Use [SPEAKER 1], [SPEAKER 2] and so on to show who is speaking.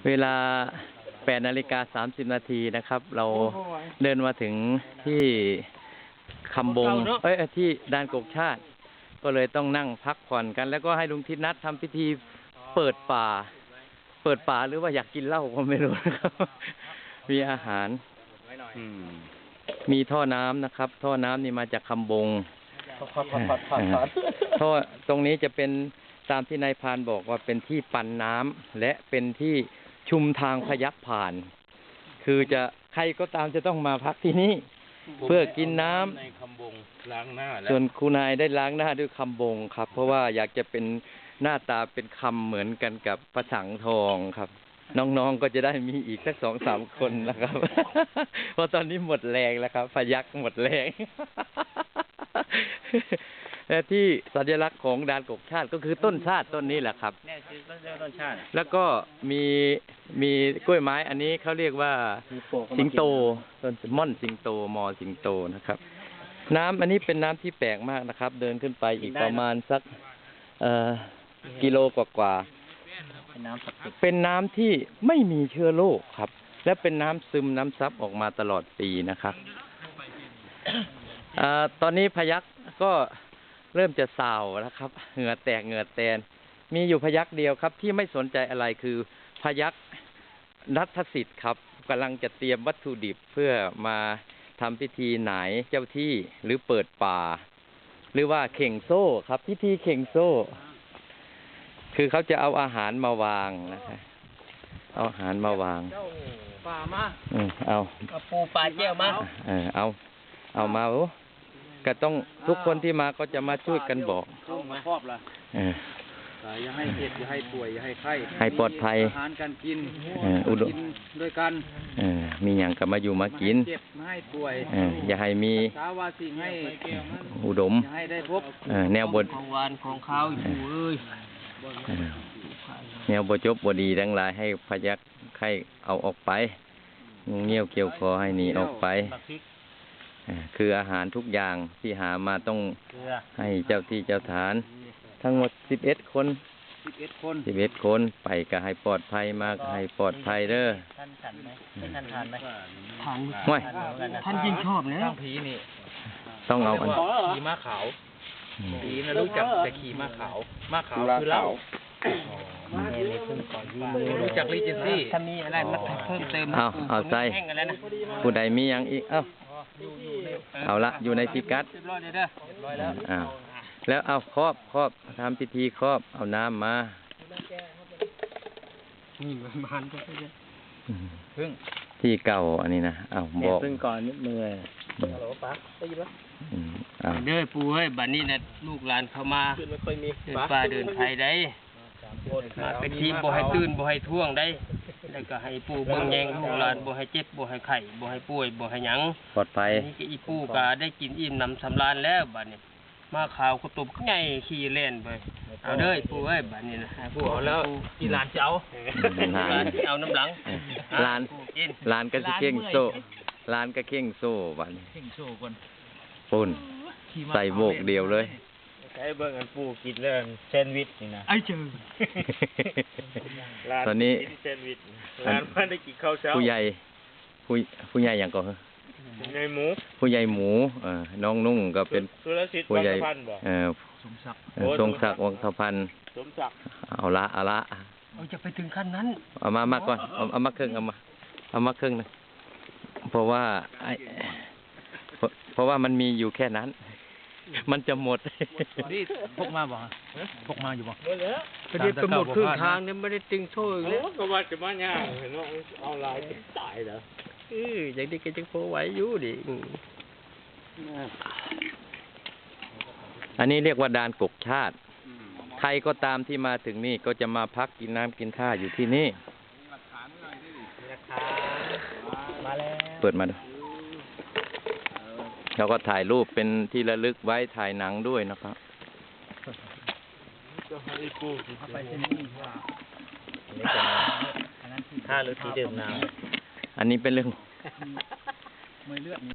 [SPEAKER 1] เวลา8:30 น.นะครับ เราเดินมาถึงที่คำบงที่ด่านกกชาติก็เลยต้องนั่งพักผ่อนกันแล้วก็ให้ลุงทิศนัดทำพิธีเปิดป่าหรือว่าอยากกินเหล้าก็ไม่รู้นะครับมีอาหารมีท่อน้ำนะครับท่อน้ำนี่มาจากคำบงท่อตรงนี้จะเป็นตามที่นายพรานบอกว่าเป็นที่ปั่นน้ำและเป็นที่ชุมทางพยัคฆ์ผ่านคือจะใครก็ตามจะต้องมาพักที่นี่เพื่อกินน้ำส่วนครูนายได้ล้างหน้าด้วยคำบงครับเพราะว่าอยากจะเป็นหน้าตาเป็นคำเหมือนกันกับพระสังทองครับน้องๆก็จะได้มีอีกสัก 2-3 คนนะครับ เพราะตอนนี้หมดแรงแล้วครับพยัคฆ์หมดแรงและที่สัญลักษณ์ของด่านกกชาติก็คือต้นชาติต้นนี้แหละครับต้นชาติแล้วก็มีกล้วยไม้อันนี้เขาเรียกว่าสิงโตต้นม่อนสิงโตมอสิงโตนะครับน้ำอันนี้เป็นน้ำที่แปลกมากนะครับเดินขึ้นไปอีกประมาณสักกิโลกว่าเป็นน้ำที่ไม่มีเชื้อโรคครับและเป็นน้ำซึมน้ำซับออกมาตลอดปีนะครับตอนนี้พยัคฆ์ก็เริ่มจะส่าวแล้วครับเหงื่อแตกเหงื่อแตนมีอยู่พยัคฆ์เดียวครับที่ไม่สนใจอะไรคือพยัคฆ์นัทสิทธิ์ครับกำลังจะเตรียมวัตถุดิบเพื่อมาทำพิธีหน่ายเจ้าที่หรือเปิดป่าหรือว่าเข่งโซ่ครับพิธีเข่งโซ่คือเขาจะเอาอาหารมาวางนะครับเอาอาหารมาวางปลามาเอาปูปลาเจียวมาเอามาก็ต้องทุกคนที่มาก็จะมาช่วยกันบอกครอบละอย่าให้เจ็บอย่าให้ป่วยอย่าให้ไข้ให้ปลอดภัยอาหารการกินอุดมด้วยกันมีอย่างก็มาอยู่มากินเจ็บไม่ให้ป่วยอย่าให้มีสาวาสิ่งให้อุดมอย่าให้ได้พบแนวบทของวานของเขาอยู่แนวบทจบบดีทั้งหลายให้พยัคฆ์ไข้เอาออกไปงูเงี้ยวเกี่ยวคอให้หนีออกไปคืออาหารทุกอย่างที่หามาต้องให้เจ้าที่เจ้าฐานทั้งหมด11 คนไปก็ให้ปลอดภัยมาก็ให้ปลอดภัยเด้อท่านฉันไหมท่านทานไหมทานไม่ท่านยิ่งชอบเนี่ยผีนี่ต้องเอาอันขี่ม้าขาวผีนะรู้จักแต่ขี่ม้าขาวคือเหล้ารู้จักลิเจนซี่ถ้ามีอะไรมาเพิ่มเติมเอาใจผู้ใดมีอย่างอีกเอาละอยู่ในพิกัดแล้วเอาครอบทำพิธีครอบเอาน้ำมาที่เก่าอันนี้นะเอาบอกพึ่งก่อนนิดมือเด้อปู่เฮ้ยบัดนี้นะลูกหลานเข้ามาเดินป่าเดินไทยได้มาเป็นทีมบ่ให้ตื่นบ่ให้ท่วงได้แล้วก็ให้ปู่เบิ่งแยงลูกหลานบ่ให้เจ็บบ่ให้ไข้บ่ให้ป่วยบ่ให้หยังปลอดภัยนี่ก็อีปู่ก็ได้กินอิ่มนำสำราญแล้วบัดนี้มาข่าวกุตุบใหญ่ขี่เล่นไปเอาเด้อปู่เอ้ยบัดนี้นะปู่เอาแล้วอีหลานจะเอาหลานจะเอาน้ำหลังหลานก็สิเข่งโซ่หลานก็เข่งโซ่บัดนี้เข่งโซ่ก่อนปุ่นใส่โบกเดียวเลยใช้เบิ่งกันปู่กินเรื่องแซนด์วิชนี่นะไอ้เจอตอนนี้ร้านมันได้กินข้าวเช้าผู้ใหญ่อย่างก่อนผู้ใหญ่หมูน้องนุ่งก็เป็นผู้ใหญ่ทรงศักดิ์วังสะพันธ์เอาละจะไปถึงขั้นนั้นเอามาก่อนเอามาครึ่งเอามาครึ่งนะเพราะว่ามันมีอยู่แค่นั้นมันจะหมดนี่พกมาบ่พกมาอยู่บ่ประเดี๋ยวจะหมดครึ่งทางเนี่ยไม่ได้ติงโซ่เลยก็ว่าจะมาย่างเห็นว่าเอาลายตายเหรออย่างนี้ก็จะโผล่ไว้อยู่ดิอันนี้เรียกว่าด่านกกชาติใครก็ตามที่มาถึงนี่ก็จะมาพักกินน้ำกินท่าอยู่ที่นี่เปิดมาดูแล้วก็ถ่ายรูปเป็นที่ระลึกไว้ถ่ายหนังด้วยนะครับท่าหรือที่ดื่มน้ำอันนี้เป็นเรื่อง